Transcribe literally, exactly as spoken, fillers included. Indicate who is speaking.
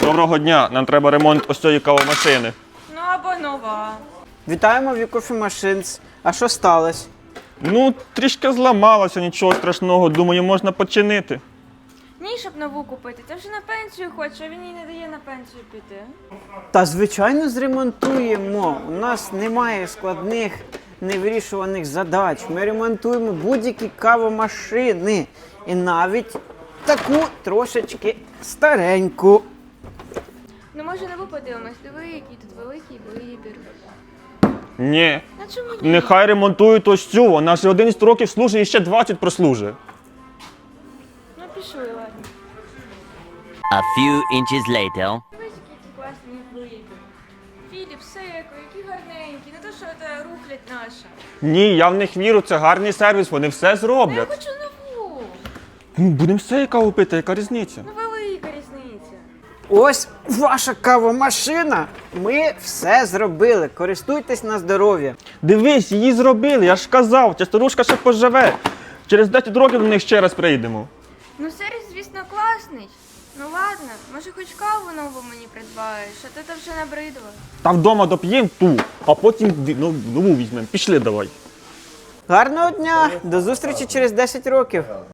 Speaker 1: Доброго дня, нам треба ремонт ось цієї кавомашини.
Speaker 2: Ну або нова.
Speaker 3: Вітаємо в Coffee Machines. А що сталося?
Speaker 1: Ну, трішки зламалося, нічого страшного, думаю, можна починити.
Speaker 2: Ні, щоб нову купити. Ти вже на пенсію хочеш, а він їй не дає на пенсію піти.
Speaker 3: Та звичайно зремонтуємо. У нас немає складних невирішуваних задач. Ми ремонтуємо будь-які кавомашини. І навіть таку трошечки стареньку.
Speaker 2: Ну може нову подивимось, диви, який тут великий вибір.
Speaker 1: Ні,
Speaker 2: На чому ні?
Speaker 1: нехай ремонтують ось цю, вона ж одинадцять років служить і ще двадцять прослужить.
Speaker 2: Ну пішли, ладно.
Speaker 4: A few inches later.
Speaker 2: Дивись, який тут класний вибір. Філіп, Секо, які гарненькі. Не то, що це рухлядь наша.
Speaker 1: Ні, я в них вірю, це гарний сервіс, вони все
Speaker 2: Я
Speaker 1: зроблять.
Speaker 2: хочу нову.
Speaker 1: Ну, будемо все каву пити, яка різниця?
Speaker 2: Ну велика різниця.
Speaker 3: Ось ваша кавомашина. Ми все зробили. Користуйтесь на здоров'я.
Speaker 1: Дивись, її зробили, я ж казав, ця старушка ще поживе. Через десять років до них ще раз прийдемо.
Speaker 2: Ну сервіс, звісно, класний. Ну ладно, може хоч каву нову мені придбаєш, а то ти вже набридла.
Speaker 1: Та вдома доп'ємо ту, а потім дві- ну, нову візьмемо. Пішли давай.
Speaker 3: Гарного дня! До зустрічі через десять років.